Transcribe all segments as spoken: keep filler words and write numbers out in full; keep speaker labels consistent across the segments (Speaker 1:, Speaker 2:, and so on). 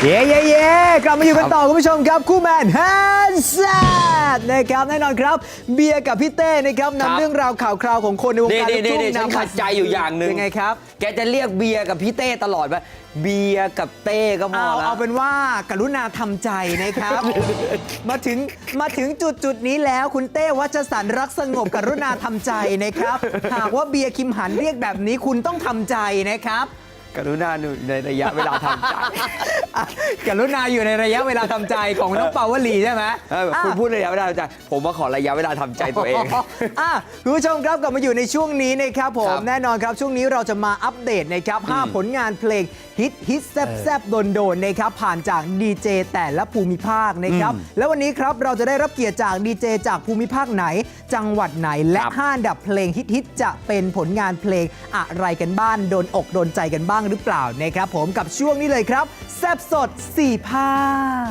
Speaker 1: เย้เย้เย้กลับมาอยู่กันต่อคุณผู้ชมครับคู่แมนแฮนด์แซดนะครับแน่นอนครับเบียร์กับพี่เต้นะครับนำเรื่องราวข่าวคราวของคนในวงการลูกทุ่ง
Speaker 2: ฉันขัดใจอยู่อย่างหนึ่ง
Speaker 1: ยังไงครับ
Speaker 2: แกจะเรียกเบียร์กับพี่เต้ตลอดว่าเบียร์กับเต้ก็พอ
Speaker 1: เอา
Speaker 2: แล้ว
Speaker 1: เอาเป็นว่ากรุณาทำใจนะครับ มาถึงมาถึงจุดจุดนี้แล้วคุณเต้วัชสันต์รักสงบกรุณาทำใจนะครับหากว่าเบียร์คิมหันเรียกแบบนี้คุณต้องทำใจนะครับ
Speaker 2: กรุณาอยู่ในระยะเวลาทำใจ
Speaker 1: กรุณาอยู่ในระยะเวลาทำใจของน้องเปาวลีใช่ไหม
Speaker 2: เออคุณพูดระยะเวลาทำใจผมมาขอระยะเวลาทำใจตัวเอง
Speaker 1: อ่ะคุณผู้ชมครับกลับมาอยู่ในช่วงนี้นะครับผ
Speaker 2: ค
Speaker 1: ม
Speaker 2: รับ
Speaker 1: แน่นอนครับช่วงนี้เราจะมาอัปเดตนะครับห้าผลงานเพลงฮิตฮิตแซบแซบโดนโดนนะครับผ่านจากดีเจแต่ละภูมิภาคนะครับแล้ววันนี้ครับเราจะได้รับเกียรติจากดีเจจากภูมิภาคไหน จังหวัดไหนและ
Speaker 2: ครับ
Speaker 1: ห้าอันดับเพลงฮิตฮิตจะเป็นผลงานเพลงอะไรกันบ้างโดนอกโดนใจกันบ้างหรือเปล่านะครับผมกับช่วงนี้เลยครับแซบสดสี่ภาค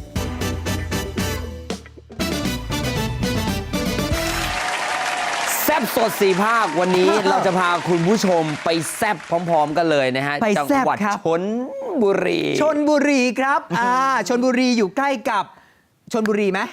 Speaker 2: แซบสดสีภาควันนี้ เราจะพาคุณผู้ชมไปแซบพร้อม ๆ กันเลยนะฮะ
Speaker 1: ไป
Speaker 2: จั
Speaker 1: แซ่บ
Speaker 2: หวัด
Speaker 1: ครับ
Speaker 2: ชลบุรี
Speaker 1: ชนบุรีครับอ่าชนบุรีอยู่ใกล้กับชนบุรีไหม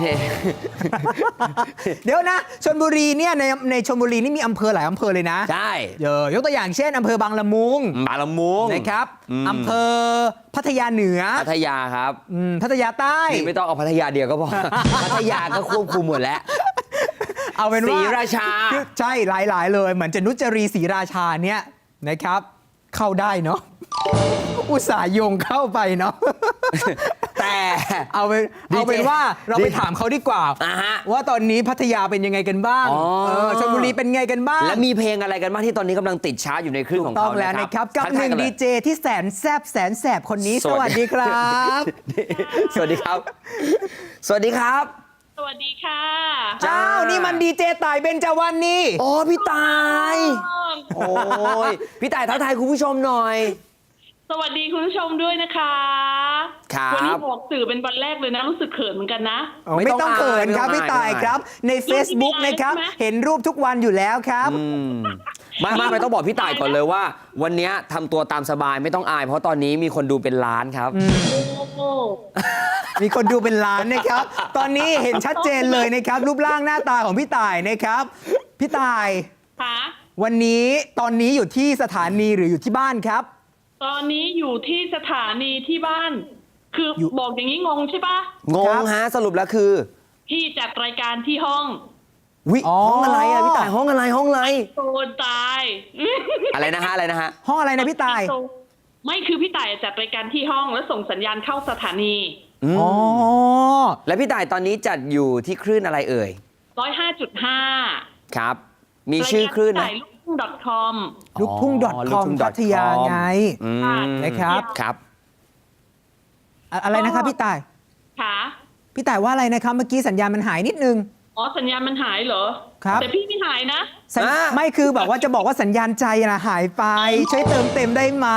Speaker 1: เดี๋ยวนะชนบุรีเนี่ยในในชนบุรีนี่มีอำเภอหลายอำเภอเลยนะ
Speaker 2: ใช่
Speaker 1: เยอะยกตัวอย่างเช่นอำเภอบางละมุง
Speaker 2: บางละมุง
Speaker 1: นะครับ
Speaker 2: อืม
Speaker 1: อำเภอพัทยาเหนือ
Speaker 2: พัทยาครับ
Speaker 1: อืมพัทยาใต้
Speaker 2: นี่ไม่ต้องเอาพัทยาเดียวก็พอ พัทยาก็ควบคุมหมดแล้ว
Speaker 1: เอาเป็นว่า
Speaker 2: ศรีราชา
Speaker 1: คือใช่หลาย ๆ เลย เหมือนจะนุจรีศรีราชาเนี่ยนะครับ เข้าได้เนาะอุตส่าห์โยงเข้าไปเนาะ
Speaker 2: แต่
Speaker 1: เอาเป็น
Speaker 2: ดีเจ
Speaker 1: เอาเป็นว่าเราไปถามเขาดีกว่า
Speaker 2: อ่าฮะ
Speaker 1: ว่าตอนนี้พัทยาเป็นยังไงกันบ้าง
Speaker 2: อ๋อ
Speaker 1: เออชลบุรีเป็นไงกันบ้าง
Speaker 2: และมีเพลงอะไรกันบ้างที่ตอนนี้กำลังติดชาร์ตอยู่ในคลื่นของ
Speaker 1: ต้อ
Speaker 2: เขา
Speaker 1: งแล้ว
Speaker 2: นะ
Speaker 1: นะ
Speaker 2: ค
Speaker 1: ค
Speaker 2: รั
Speaker 1: รั
Speaker 2: บบ
Speaker 1: กับ
Speaker 2: ทั
Speaker 1: หนึ่ง
Speaker 2: ทายกั
Speaker 1: ดี
Speaker 2: เลย
Speaker 1: เจที่แสนแซบแสนแสบคนนี้
Speaker 2: ส
Speaker 1: ส
Speaker 2: วั
Speaker 1: วั
Speaker 2: ส
Speaker 1: ส
Speaker 2: ดี
Speaker 1: ดีครับ
Speaker 2: สวัสดีครับ สวัสดีครับ
Speaker 3: สวัสดีค่ะ
Speaker 2: จ้า
Speaker 1: อ้าวนี่มันดีเจต่ายเบญจวรรณนี่
Speaker 2: โอ้พี่ตาย โอ้ยพี่ตายทักทายคุณผู้ชมหน่อย
Speaker 3: สวัสดีคุณผู้ชมด้วยนะคะ
Speaker 2: ครับ
Speaker 3: วันี้ออกสื่อเป็นวันแรกเลยนะ รู้สึกเขินเหมือนกันนะ
Speaker 2: ไม่
Speaker 1: ไม่
Speaker 2: ต้
Speaker 1: ต้
Speaker 2: อ
Speaker 1: อง งเขินครับ
Speaker 2: ไม่ต้อง
Speaker 1: พี่ต่าย
Speaker 2: อาย
Speaker 1: ครับ ใน Facebook
Speaker 3: ไม่
Speaker 1: นะครับ
Speaker 3: ใช่ไหม
Speaker 1: เห็นรูปทุกวันอยู่แล้วครับ
Speaker 2: อืมไม่ไม่ไม่ต้องบอกพี่ตายก่อนเลยว่า วันนี้ทำตัวตามสบายไม่ต้องอาย เพราะตอนนี้มีคนดูเป็นล้านครับ
Speaker 3: โอ้โห
Speaker 1: มีคนดูเป็นล้านนะครับ ตอนนี้เห็นชัดเจนเลยนะครับ รูปร่างหน้าตาของพี่ต่ายนะครับ พี่ต่าย
Speaker 3: ค่ะ
Speaker 1: วันนี้ตอนนี้อยู่ที่สถานีหรืออยู่ที่บ้านครับ
Speaker 3: ตอนนี้อยู่ที่สถานีที่บ้าน คืออยู่ บอกอย่างนี้งงใช่ปะ
Speaker 2: งงฮะสรุปแล้วคือ
Speaker 3: พี่จัดรายการที่ห้อง
Speaker 2: วิ
Speaker 1: อ๋อ
Speaker 2: ห้องอะไรอะพี่ตายห้องอะไรห้องอะไร
Speaker 3: โดนตาย
Speaker 2: อะไรนะฮะอะไรนะฮะ
Speaker 1: ห้องอะไรนะพี่ต่าย
Speaker 3: ไม่คือพี่ต่ายจัดรายการที่ห้องแล้วส่งสัญญาณเข้าสถานี
Speaker 2: อืม
Speaker 1: อ๋อ
Speaker 2: แล้วพี่ตายตอนนี้จัดอยู่ที่คลื่นอะไรเอ่ย
Speaker 3: ร้อยห้าจุดห้า
Speaker 2: ครับ มีชื่อคลื่น
Speaker 3: รา
Speaker 2: นะ
Speaker 3: ยการลูกทุ่ง .com
Speaker 1: ลูกทุ่ง
Speaker 2: อ๋อ
Speaker 1: .com พัทยาไง
Speaker 2: อืม
Speaker 1: นะครับ
Speaker 2: ครับ
Speaker 1: อะอะไรนะครับพี่ต่าย
Speaker 3: ค่ะ
Speaker 1: พี่ต่ายว่าอะไรนะครับเมื่อกี้สัญญาณมันหายนิดนึง
Speaker 3: อ๋อสัญญาณมันหายเหรอ
Speaker 1: ครับ
Speaker 3: แต่พี่ไม่หายนะ
Speaker 1: สัญ
Speaker 2: อ่า
Speaker 1: ไม่คือแบบว่าจะบอกว่าสัญญาณใจนะหายไป ช่วยเติมเต็มได้ไหม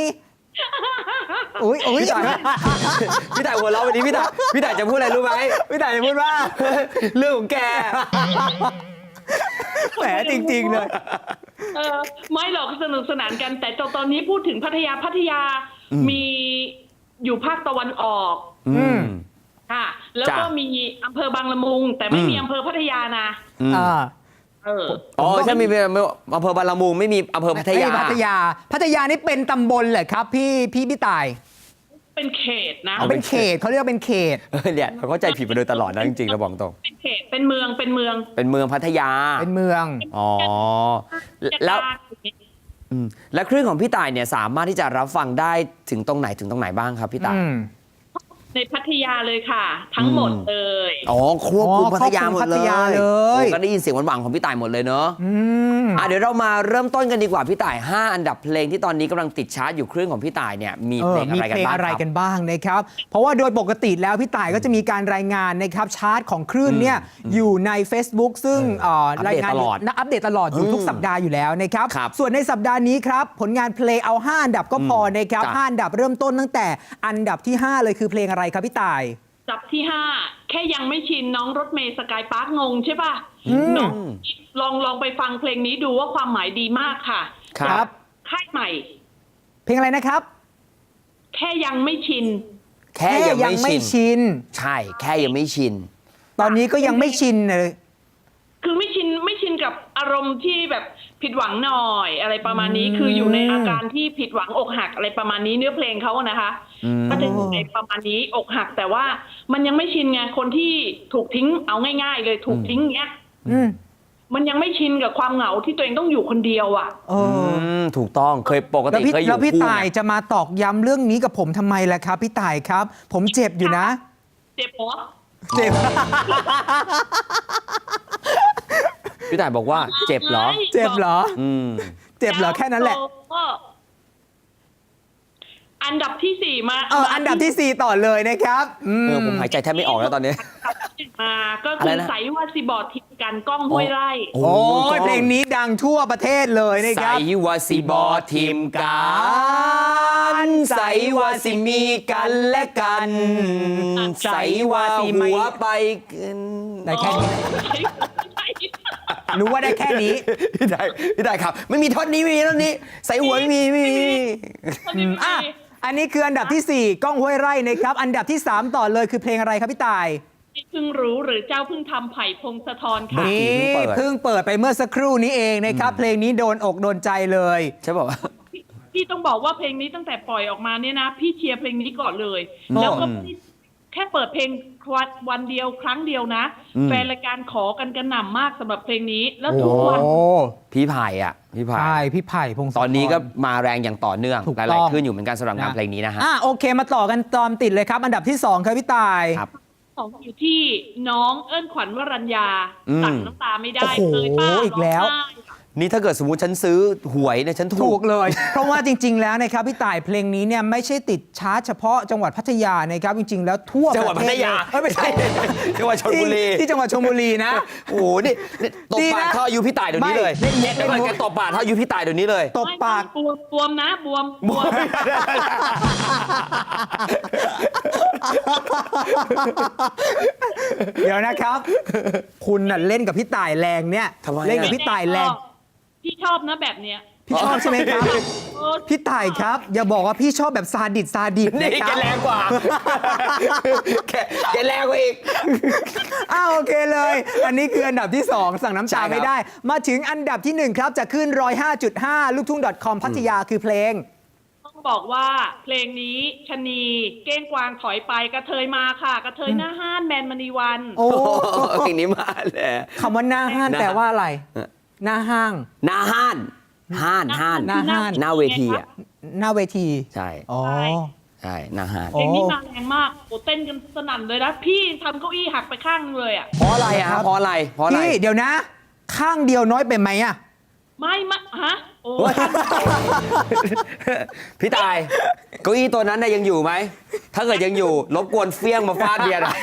Speaker 1: อุ้ยอุ้ย
Speaker 2: พี่ต่ายพี่ต่ายหัวเราะวันนี้พี่ต่ายพี่ต่ายจะพูดอะไรรู้ไหม
Speaker 1: พี่ต่ายจะพูดว่า
Speaker 2: เรื่องของแก
Speaker 1: แหมจริง ๆ เลย
Speaker 3: เออไม่หรอกสนุกสนานกัน แต่ตอนนี้พูดถึงพัทยาพัทยามีอยู่ภาคตะวันออก
Speaker 2: อืม
Speaker 3: ค่ะ แล้วก็
Speaker 2: จ้ะ
Speaker 3: มีอำเภอบางละมุง แต่ไม่
Speaker 2: อืม
Speaker 3: มีอำเภอพัทยานะ
Speaker 2: อืม
Speaker 1: อ่า
Speaker 3: เออ
Speaker 2: อ๋อใช่มีอำเภอบางละมุงไม่มีอำเภอพัทยา
Speaker 1: ไม่พัทยา พัทยานี่เป็นตำบลเหรอครับพี่พี่พี่ต่าย
Speaker 3: เป็นเขตนะ
Speaker 2: เอา
Speaker 1: เป็นเขตเขาเรียกว่าเป็นเขต
Speaker 2: เออเนี่ยเราเข้าใจผิดมาโดยตลอดนะจริงๆเราบอกตรง
Speaker 3: เป็นเขตเป็นเมืองเป็นเมือง
Speaker 2: เป็นเมืองพัทยา
Speaker 1: เป็นเมือง
Speaker 2: อ๋อแล้วอืมแล้วคลื่นของพี่ต่ายเนี่ยสามารถที่จะรับฟังได้ถึงตรงไหนถึงตรงไหนบ้างครับพี่ต่าย
Speaker 1: อืม
Speaker 3: ในพัทยาเลยค่ะ ทั้งหมดเลย
Speaker 2: อ๋อควบคุม
Speaker 1: อ๋อ
Speaker 2: พัทยาหมด
Speaker 1: ควบคุมพั
Speaker 2: เล
Speaker 1: ท
Speaker 2: ย
Speaker 1: ยาเลย
Speaker 2: โอ้ก็ได้ยินเสียงหวานๆของพี่ต่ายหมดเลยเนอะ
Speaker 1: อืม
Speaker 2: อ่ะเดี๋ยวเรามาเริ่มต้นกันดีกว่าพี่ต่ายห้าอันดับเพลงที่ตอนนี้กำลังติดชาร์ตอยู่คลื่นของพี่ต่ายเนี่ยมี
Speaker 1: เอ
Speaker 2: เพล
Speaker 1: อง
Speaker 2: อะ
Speaker 1: มี
Speaker 2: ไร
Speaker 1: เพ
Speaker 2: กัน
Speaker 1: ลง
Speaker 2: บ้าง
Speaker 1: อะไร
Speaker 2: ครับ
Speaker 1: กันบ้างนะครับ เพราะว่าโดยปกติแล้วพี่ต่ายก็จะมีการรายงานนะครับชาร์ตของคลื่นเนี่ยอยู่ใน Facebook ซึ่งเอ่อ
Speaker 2: อัปเดต
Speaker 1: รายงาน
Speaker 2: ตลอด
Speaker 1: นะอัปเดตตลอดอยู่
Speaker 2: อืม
Speaker 1: ทุกสัปดาห์อยู่แล้วนะครับ
Speaker 2: ครับ
Speaker 1: ส่วนในสัปดาห์นี้ครับผลงานเพลงเอาห้าอันดับก็พอนะครับ
Speaker 2: จ้ะ
Speaker 1: ห้าอันดับเริ่มต้นตั้งแต่อันดับที่ห้าเลยคือเพลงอะไรครับพี่ต่าย
Speaker 3: จับที่ห้าแค่ยังไม่ชินน้องรถเมย์สกายพาร์คงงใช่ป่ะ
Speaker 1: อืม
Speaker 3: น้องลองลองไปฟังเพลงนี้ดูว่าความหมายดีมากค่ะ
Speaker 2: ครับ
Speaker 3: ค่ายใหม่
Speaker 1: เพลงอะไรนะครับ
Speaker 3: แค่ยังไม่ชิน
Speaker 2: แค่ยัง
Speaker 1: ยัง
Speaker 2: ไม่
Speaker 1: ไม่
Speaker 2: ชิน
Speaker 1: ชิน
Speaker 2: ใช่ แค่ยังไม่ชิน
Speaker 1: ตอนนี้ก็ยังไม่ชินเลย
Speaker 3: คือไม่ชินไม่ชินกับอารมณ์ที่แบบผิดหวังหน่อยอะไรประมาณนี้ คืออยู่ในอาการที่ผิดหวังอกหักอะไรประมาณนี้เนื้อเพลงเขาอะนะคะ
Speaker 2: อืม
Speaker 3: ก็จะอยู่ในประมาณนี้อกหัก แต่ว่ามันยังไม่ชินไงคนที่ถูกทิ้งเอาง่าย ๆ เลยถูกทิ้งเงี้ย
Speaker 1: อืม
Speaker 3: มันยังไม่ชินกับความเหงาที่ตัวเองต้องอยู่คนเดียวอ่ะ
Speaker 1: เอ
Speaker 2: อื
Speaker 1: อ
Speaker 2: มถูกต้องเคยปก
Speaker 1: แล้ว
Speaker 2: ติ
Speaker 1: พี่
Speaker 2: เคยอ
Speaker 1: แล้
Speaker 2: ยู่
Speaker 1: วพี่
Speaker 2: คู่
Speaker 1: ต่าย
Speaker 2: ไง
Speaker 1: จะมาตอกย้ำเรื่องนี้กับผมทำไมล่ะครับ พี่ต่ายครับ ผมเจ็บอยู่นะ
Speaker 3: เจ็บปะ
Speaker 1: เจ็บ
Speaker 2: พี่ต่ายบอกว่าเจ็บเหรอ
Speaker 1: เจ็บเหรอ
Speaker 2: อืม
Speaker 1: เจ็บเหรอแค่นั้นแหละ
Speaker 3: ก็อันดับที่สี่มา
Speaker 1: เอออันดับที่สี่ต่อเลยนะครับอืม
Speaker 2: เออผมหายใจแทบไม่ออกแล้วตอนนี้
Speaker 3: มาก็
Speaker 2: อะ
Speaker 3: คื
Speaker 2: ไร
Speaker 3: อ
Speaker 2: นะ
Speaker 3: ใสว่าสิบอดทิมกันกล้องห้วยไร่
Speaker 2: โอ้
Speaker 1: โอ้ย
Speaker 2: ก็
Speaker 1: เพลงนี้ดังทั่วประเทศเลยนะค
Speaker 2: ใส่
Speaker 1: รับ
Speaker 2: ว่าสิบอทีมกันใส่ว่าสิมีกันและกันใส่ว่าหัวไปกัน
Speaker 1: ได้แค่นี้ รู้ว่าได้แค่นี้
Speaker 2: พี่ได้พี่ได้ครับ ไม่มีท่อนนี้ไม่มีท่อนนี้ ใส่หัวไม่มีไม่มี
Speaker 1: อืมอ่ะอันนี้คืออันดับที่สี่ก้องห้วยไร่นะครับ อันดับที่สามต่อเลยคือเพลงอะไรครับพี่ต่าย
Speaker 3: เพิ่งรู้หรือเจ้าเพิ่งทำไผ่พงศธรค่ะ
Speaker 2: เมื่อกี้
Speaker 1: นี่
Speaker 2: เพิ่งเปิด
Speaker 1: เพิ่งเปิดไปเมื่อสักครู่นี้เองนะครับ เพลงนี้โดนอกโดนใจเลย
Speaker 2: ใช่ป่าวะ
Speaker 3: พี่พี่ต้องบอกว่าเพลงนี้ตั้งแต่ปล่อยออกมาเนี่ยนะ พี่เชียร์เพลงนี้ก่อนเลย
Speaker 1: อ๋อ
Speaker 3: แล้วก็ไม่แค่เปิดเพลงวันวันเดียวครั้งเดียวนะ
Speaker 2: อืม
Speaker 3: แฟนรายการขอกันกระหน่ำมากสำหรับเพลงนี้ แล้ว
Speaker 1: โอ้
Speaker 3: ทุกวัน
Speaker 2: พี่ไผ่อ่ะพี่ไผ่
Speaker 1: ใช่พี่ไผ่พงศธร
Speaker 2: ตอนนี้ก็มาแรงอย่างต่อเนื่อง
Speaker 1: ถูก
Speaker 2: ห
Speaker 1: ต้
Speaker 2: ลา
Speaker 1: อยง
Speaker 2: ๆขึ้นอยู่เหมือนกันสำหรับงานเพลงนี้นะฮะ
Speaker 1: อ่ะโอเคมาต่อกันตอนติดเลยครับ อันดับที่สองครับพี่ต่าย
Speaker 2: ครับ
Speaker 3: ของอยู่ที่น้องเอิ้นขวัญวรัญญา
Speaker 2: อืม
Speaker 3: สั่งน้ำตาไม่ได้
Speaker 1: โอ้โห
Speaker 3: เลยป้า
Speaker 1: อีกแล้ว
Speaker 3: ร้งไห้
Speaker 2: นี่ถ้าเกิดสมมติฉันซื้อหวยเนี่ยฉันถู
Speaker 1: ถู
Speaker 2: ก
Speaker 1: กเลย เพราะว่าจริง ๆ แล้วนะครับพี่ต่ายเพลงนี้เนี่ยไม่ใช่ติดชาร์ตเฉพาะจังหวัดพัทยานะครับจริง ๆ แล้วทั่ว
Speaker 2: จังหวัด
Speaker 1: ป
Speaker 2: พั
Speaker 1: ระ
Speaker 2: ท
Speaker 1: เทศ
Speaker 2: ยา
Speaker 1: เอ้ยไม่ใช่
Speaker 2: จังหวัดชลบุรี
Speaker 1: ที่ที่จังหวัดชลบุรีนะ
Speaker 2: โอ้โหนี่นี่ตบ
Speaker 1: ดี
Speaker 2: ปาก
Speaker 1: นะ
Speaker 2: เท่าอายุพี่ต่ายเดี๋ยวนี้เลย
Speaker 1: ไม่เล่นมุก
Speaker 2: เดี๋ยวก่อนแกตบปากเท่าอายุพี่ต่ายเดี๋ยวนี้เลย
Speaker 1: ตบปาก
Speaker 3: ไม่บวมบวมนะบวมบวม
Speaker 1: เดี๋ยวนะครับ คุณน่ะเล่นกับพี่ต่ายแรงเนี่ย
Speaker 2: ทำไมอะ
Speaker 1: เล่นกับพี่ต่ายแรง
Speaker 3: พี่ชอบนะแบบเนี้ย
Speaker 1: พี่ชอบใช่ไหมครับ
Speaker 3: เออ
Speaker 1: พี่ต่ายครับ อย่าบอกว่าพี่ชอบแบบซาดิสซาดิส
Speaker 2: นี่
Speaker 1: นะค
Speaker 2: แก
Speaker 1: รับ
Speaker 2: แรงกว่าแกแกแรงกว่าอีก
Speaker 1: อ้าวโอเคเลย อันนี้คืออันดับที่สองสั่งน้ำ
Speaker 2: ใช่
Speaker 1: ตา
Speaker 2: ครับ
Speaker 1: ไม่ได้ มาถึงอันดับที่หนึ่งครับจะขึ้นหนึ่งร้อยห้าจุดห้าลูกทุ่ง .com พัทยาคือเพลง
Speaker 3: ต้องบอกว่าเพลงนี้ชะนีเก้งกวางถอยไปกระเทยมาค่ะ กระเทยหน้าห้านแมนมณีวัน
Speaker 1: โอ้
Speaker 2: โอ้โหเพลงนี้มาเลย
Speaker 1: คำว่าหน้าห้าน
Speaker 2: หน้า
Speaker 1: แปลว่าอะไร หน้าห้าง
Speaker 2: หน้าห้านห้านห้าน
Speaker 1: หน้าห้าน
Speaker 2: หน้าเวทีอ่ะ
Speaker 1: หน้าเวที
Speaker 2: ใช่
Speaker 1: อ๋อ
Speaker 2: ใช่หน้าห้าน
Speaker 1: โอ้
Speaker 3: เพลงนี้มาแรงมากโอ้เต้นกันสนั่นเลยนะ พี่ทำเก้าอี้หักไปข้างนึงเลยอ่ะ
Speaker 2: เพราะอะไรอ่ะ
Speaker 1: ครับ
Speaker 2: เพราะอะไรเพราะอะไร
Speaker 1: พี่เดี๋ยวนะ ข้างเดียวน้อยไปไหมอะ
Speaker 3: ไม่มะฮะ โอ้
Speaker 2: พี่ตายเก้าอี้ตัวนั้นน่ะยังอยู่ไหม ถ้าเกิดยังอยู่ รบกวนเฟี้ยงมาฟาดเบียร์หน่อย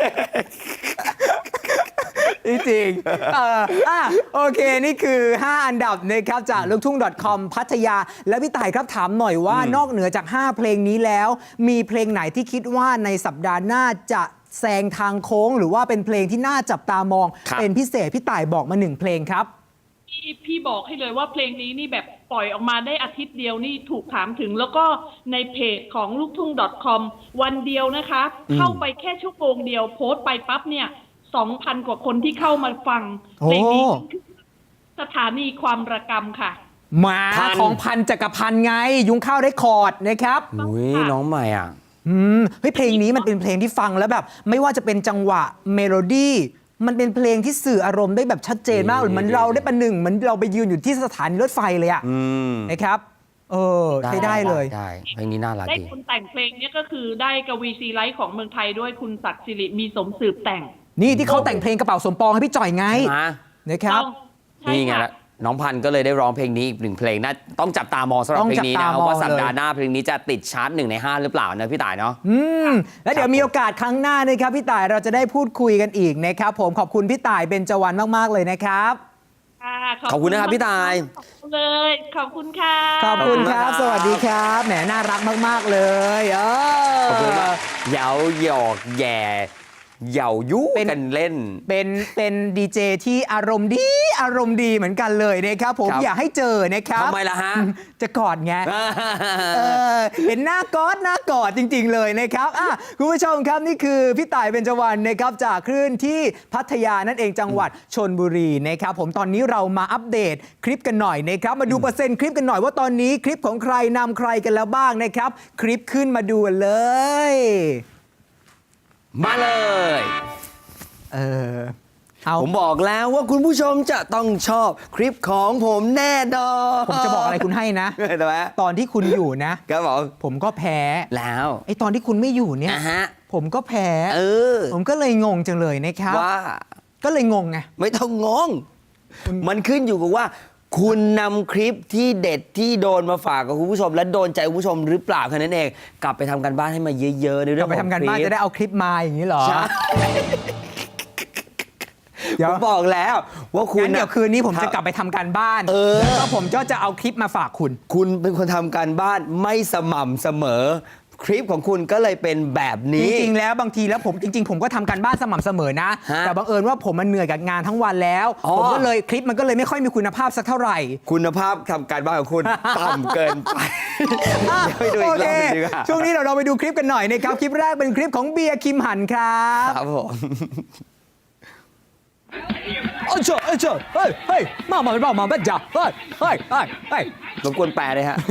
Speaker 1: จริงๆเอออ่ะโอเค นี่คือ ห้า อันดับนะครับจากลูกทุ่ง .com พัทยา แล้วพี่ต่ายครับถามหน่อยว่า นอกเหนือจาก ห้า เพลงนี้แล้ว มีเพลงไหนที่คิดว่าในสัปดาห์หน้าจะแซงทางโค้ง หรือว่าเป็นเพลงที่น่าจับตามอง
Speaker 2: ครับ
Speaker 1: เป็นพิเศษพี่ต่ายบอกมาหนึ่งเพลงครับ
Speaker 3: พี่พี่บอกให้เลยว่าเพลงนี้นี่แบบปล่อยออกมาได้อาทิตย์เดียวนี่ถูกถามถึง แล้วก็ในเพจของลูกทุ่ง .com วันเดียวนะคะ เข้าไปแค่ชั่วโมงเดียวโพสต์ไปปั๊บเนี่ย สองพัน กว่าคนที่เข้ามาฟัง
Speaker 1: โอ้
Speaker 3: เพลงนี้คือสถานีความระกำค่ะ
Speaker 1: หมา
Speaker 2: พัน
Speaker 1: ของพันจักรพันธ์ไง ยุงข้าวได้คอร์ดนะครับ
Speaker 2: อุ้ยน้องใหม่อ่ะ
Speaker 1: อืมเฮ้ยเพลงนี้มันเป็นเพลงที่ฟังแล้วแบบ ไม่ว่าจะเป็นจังหวะเมโลดี้มันเป็นเพลงที่สื่ออารมณ์ได้แบบชัดเจนมาก
Speaker 2: ดี
Speaker 1: เหมือน
Speaker 2: ดี
Speaker 1: เราได้ประหนึ่งเหมือนเราไปยืนอยู่ที่สถานีรถไฟเลยอะ
Speaker 2: อืม
Speaker 1: นะครับ เออใช้ได้เลย
Speaker 2: ได้เพลงนี้น่ารัก
Speaker 3: ได้
Speaker 2: ดี
Speaker 3: คนแต่งเพลงเนี้ก็คือได้กวีซีไลท์ของเมืองไทยด้วยคุณศักดิ์สิริมีสมสืบแต่ง
Speaker 1: นี่ที่เขาแต่งเพลงกระเป๋าสมปองให้พี่จ่อยไง
Speaker 2: มา
Speaker 1: นะครับ
Speaker 3: ต้องใช่
Speaker 2: นี่ไง
Speaker 3: ค่ะ
Speaker 2: ละน้องพันธุ์ก็เลยได้ร้องเพลงนี้อีกหนึ่งเพลงน่าต้องจับตามองสำหรับ
Speaker 1: ต้อง
Speaker 2: เพลงนี้นะครับ
Speaker 1: จับตามอง
Speaker 2: ว่าสัปดา
Speaker 1: เล
Speaker 2: ห์
Speaker 1: ย
Speaker 2: หน้าเพลงนี้จะติดชาร์ตหนึ่งในห้าหรือเปล่านะพี่ต่ายเนาะ
Speaker 1: อืมแล้วเดี๋ยว
Speaker 2: ครับ
Speaker 1: มีโอกาสครั้งหน้านะครับพี่ต่ายเราจะได้พูดคุยกันอีกนะครับผมขอบคุณพี่ต่ายเบญจวรรณมากๆเลยนะครับ
Speaker 3: ค่ะ
Speaker 2: ขอบคุณนะครับพี่ตาย
Speaker 3: ขอบคุณเลย ขอบคุณค่ะ
Speaker 1: ขอบคุณครับ
Speaker 2: ขอบคุณครับ
Speaker 1: สวัสดีครับแหมน่ารักมากๆเลยเออ
Speaker 2: ขอบคุณมากเหยาหยอกแย่เหยายุ
Speaker 1: เป็น
Speaker 2: กันเล่น
Speaker 1: เป็นเป็นดีเจที่อารมณ์ดีอารมณ์ดีเหมือนกันเลยนะครับผม
Speaker 2: ครับ
Speaker 1: อยากให้เจอนะครับ
Speaker 2: ทำไมล่ะฮะ
Speaker 1: จะกอดไง เออเห็นหน้ากอดหน้ากอดจริง ๆ เลยนะครับอ่ะคุณผู้ชมครับนี่คือพี่ต่ายเบญจวรรณนะครับจากคลื่นที่พัทยานั่นเองจังหวัดชลบุรีนะครับผมตอนนี้เรามาอัปเดตคลิปกันหน่อยนะครับมาดูเปอร์เซ็นต์คลิปกันหน่อยว่าตอนนี้คลิปของใครนำใครกันแล้วบ้างนะครับคลิปขึ้นมาดูกันเลย
Speaker 2: มาเลย
Speaker 1: เออเอา
Speaker 2: ผมบอกแล้วว่าคุณผู้ชมจะต้องชอบคลิปของผมแน่นอน
Speaker 1: ผมจะบอกอะไรคุณให้นะ
Speaker 2: เห็นไหม
Speaker 1: ตอนที่คุณอยู่นะ
Speaker 2: ครับผม
Speaker 1: ผมก็แพ้
Speaker 2: แล้ว
Speaker 1: ไอตอนที่คุณไม่อยู่เนี่ย
Speaker 2: อ่ะฮะ
Speaker 1: ผมก็แพ้
Speaker 2: เออ
Speaker 1: ผมก็เลยงงจังเลยนะครับ
Speaker 2: ว่า
Speaker 1: ก็เลยงงไง
Speaker 2: ไม่ต้องงง มันขึ้นอยู่กับว่า คุณนำคลิปที่เด็ดที่โดนมาฝากกับคุณผู้ชม และโดนใจคุณผู้ชมหรือเปล่าแค่นั้นเอง กลับไปทำกันบ้านให้มาเยอะๆในเรื่
Speaker 1: ก
Speaker 2: อ
Speaker 1: ลับ
Speaker 2: ง
Speaker 1: ไป
Speaker 2: ของ
Speaker 1: ทำกัน
Speaker 2: คลิ
Speaker 1: บ้าน
Speaker 2: ป
Speaker 1: จะได้เอาคลิปมาอย่างนี้เหรอ
Speaker 2: ใช่
Speaker 1: เดี๋ยว
Speaker 2: ผมบอกแล้วว่าคุณ
Speaker 1: งั้นเดี๋ยวคืนนี้ผมจะกลับ
Speaker 2: บ
Speaker 1: ไปทำการบ้าน
Speaker 2: เออ
Speaker 1: แล้วก็ผมก็จะเอาคลิปมาฝากคุณ
Speaker 2: คุณเป็นคนทำการบ้านไม่สม่ำเสมอ คลิปของคุณก็เลยเป็นแบบ
Speaker 1: จ
Speaker 2: นี้
Speaker 1: ริงๆ แล้วบางทีแล้วผมจริง ๆ ผมก็ทำการบ้านสม่ำเสมอนะ
Speaker 2: ฮะ
Speaker 1: แต่บังเอิญว่าผมมันเหนื่อยกับงานทั้งวันแล้ว
Speaker 2: อ๋อ
Speaker 1: ผมก็เลยคลิปมันก็เลยไม่ค่อยมีคุณภาพสักเท่าไหร่
Speaker 2: คุณภาพทำการบ้านของคุณ ต่ำเกินไป
Speaker 1: อ่ะ
Speaker 2: เดี๋ยวไปดูอี
Speaker 1: โอก
Speaker 2: ร
Speaker 1: เค
Speaker 2: อบหนึงดีกว่า
Speaker 1: ช่วงนี้เราเราไปดูคลิปกันหน่อยนะครับ คลิปแรกเป็นคลิปของเบียร์คิมหันครับ
Speaker 2: ครับผม
Speaker 1: เอ้ยเจ้าเอ้ยเจ้าเฮ้ยเฮ้ยมามามามาบ้าจ่าเฮ้ยเฮ้ยเฮ้ยเฮ้ย
Speaker 2: รบกวนแปลเลยฮะ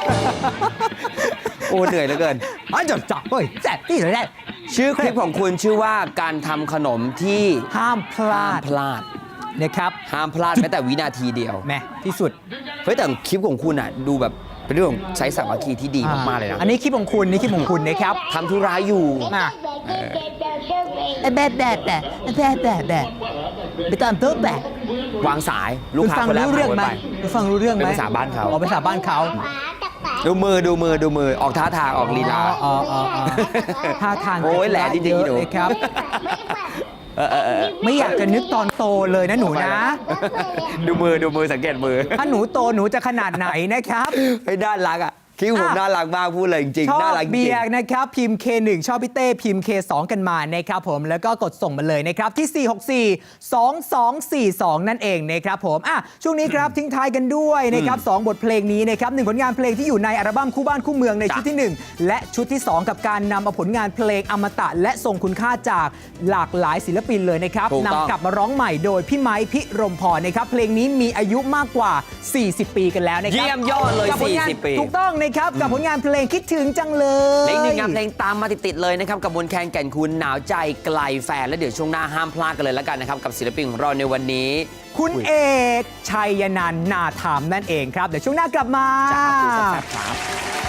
Speaker 2: โอ้เหนื่อยเหลือเกิน
Speaker 1: เอ้ยเจ้าจ่าเฮ้ยแซ่บที่สุดเลย
Speaker 2: ชื่อคลิปของคุณชื่อว่าการทำขนมที่
Speaker 1: ห้ามพลา
Speaker 2: ห้าม
Speaker 1: ด
Speaker 2: พลาด
Speaker 1: นะครับ
Speaker 2: ห้ามพลาดแม้แต่วินาทีเดียว
Speaker 1: แม่ที่สุด
Speaker 2: เฮ้ยแต่คลิปของคุณอ่ะ ดูแบบเป็นเรื่องของใช้สามัคคีที่ดีมากๆเลยนะ
Speaker 1: อันนี้คลิปของคุณนี่คลิปของคุณนะครับ
Speaker 2: ทำธุระอยู่
Speaker 1: มาแบดแบดแบดแบดแบดแบดไปตามโต๊ะแบด
Speaker 2: วางสายลูก
Speaker 1: คุณ
Speaker 2: ค้า
Speaker 1: ฟัง
Speaker 2: คนแรก
Speaker 1: รู้เรื่องไหม
Speaker 2: ผ่าน
Speaker 1: คุณฟังรู้เรื่องไหม
Speaker 2: เป็นภาษาบ้านเขา
Speaker 1: อ๋อภาษาบ้านเขา
Speaker 2: ไปดูมือดูมือดูมือออกท่าทางออกลีลา
Speaker 1: อ๋ออ๋ออ๋อท่าทาง
Speaker 2: โอ้ยแหละจริงๆ
Speaker 1: เยอะ
Speaker 2: หนู
Speaker 1: เลยครับ
Speaker 2: เออเออเออ
Speaker 1: ไม่อยากจะนึกตอนโตเลยนะหนูนะ
Speaker 2: ดูมือดูมือสังเกตมือ
Speaker 1: ถ้าหนูโตหนูจะขนาดไหนนะครับ
Speaker 2: เฮ้ยน่ารักอ่ะคลิปผม
Speaker 1: อ่ะ
Speaker 2: น่ารักมากพูดเลยจริง
Speaker 1: ชอ
Speaker 2: ๆน่า
Speaker 1: บ
Speaker 2: รักจริ
Speaker 1: เบี
Speaker 2: ง
Speaker 1: ยร์นะครับพิมพ์ เค หนึ่ง ชอบพี่เต้พิมพ์ เค สอง กันมานะครับผมแล้วก็กดส่งมาเลยนะครับที่ สี่ หก สี่ สอง สอง สี่ สอง นั่นเองนะครับผมอ่ะช่วงนี้ครับทิ้งท้ายกันด้วยนะครับสองบทเพลงนี้นะครับหนึ่งผลงานเพลงที่อยู่ในอัลบั้มคู่บ้านคู่เมืองในชุดที่หนึ่งและชุดที่สองกับการนำเอาผลงานเพลงอมตะ และทรงคุณค่าจากหลากหลายศิลปินเลยนะครับ
Speaker 2: ถูกต้อง
Speaker 1: นำกลับมาร้องใหม่โดยพี่ไม้พิรมพรนะครับเพลงนี้มีอายุมากกว่า สี่สิบ ปีกันแล้วนะครับ
Speaker 2: เยี่ยมยอดเลย
Speaker 1: กับผลงาน
Speaker 2: สี่สิบปี
Speaker 1: ถูกต้องนะครับกับผลงานเพลงคิดถึงจังเลย
Speaker 2: และอีกหนึ่งงานเพลงตามมาติด ๆ เลยนะครับ กับมนต์แคนแก่นคุณหนาวใจไกลแฟน และเดี๋ยวช่วงหน้าห้ามพลาดกันเลยแล้วกันนะครับ กับศิลปินของเราในวันนี้
Speaker 1: คุณเอกชัยนันท์นาถามนั่นเองครับ เดี๋ยวช่วงหน้ากลับมา
Speaker 2: จ้าคุยแซ่บๆครับ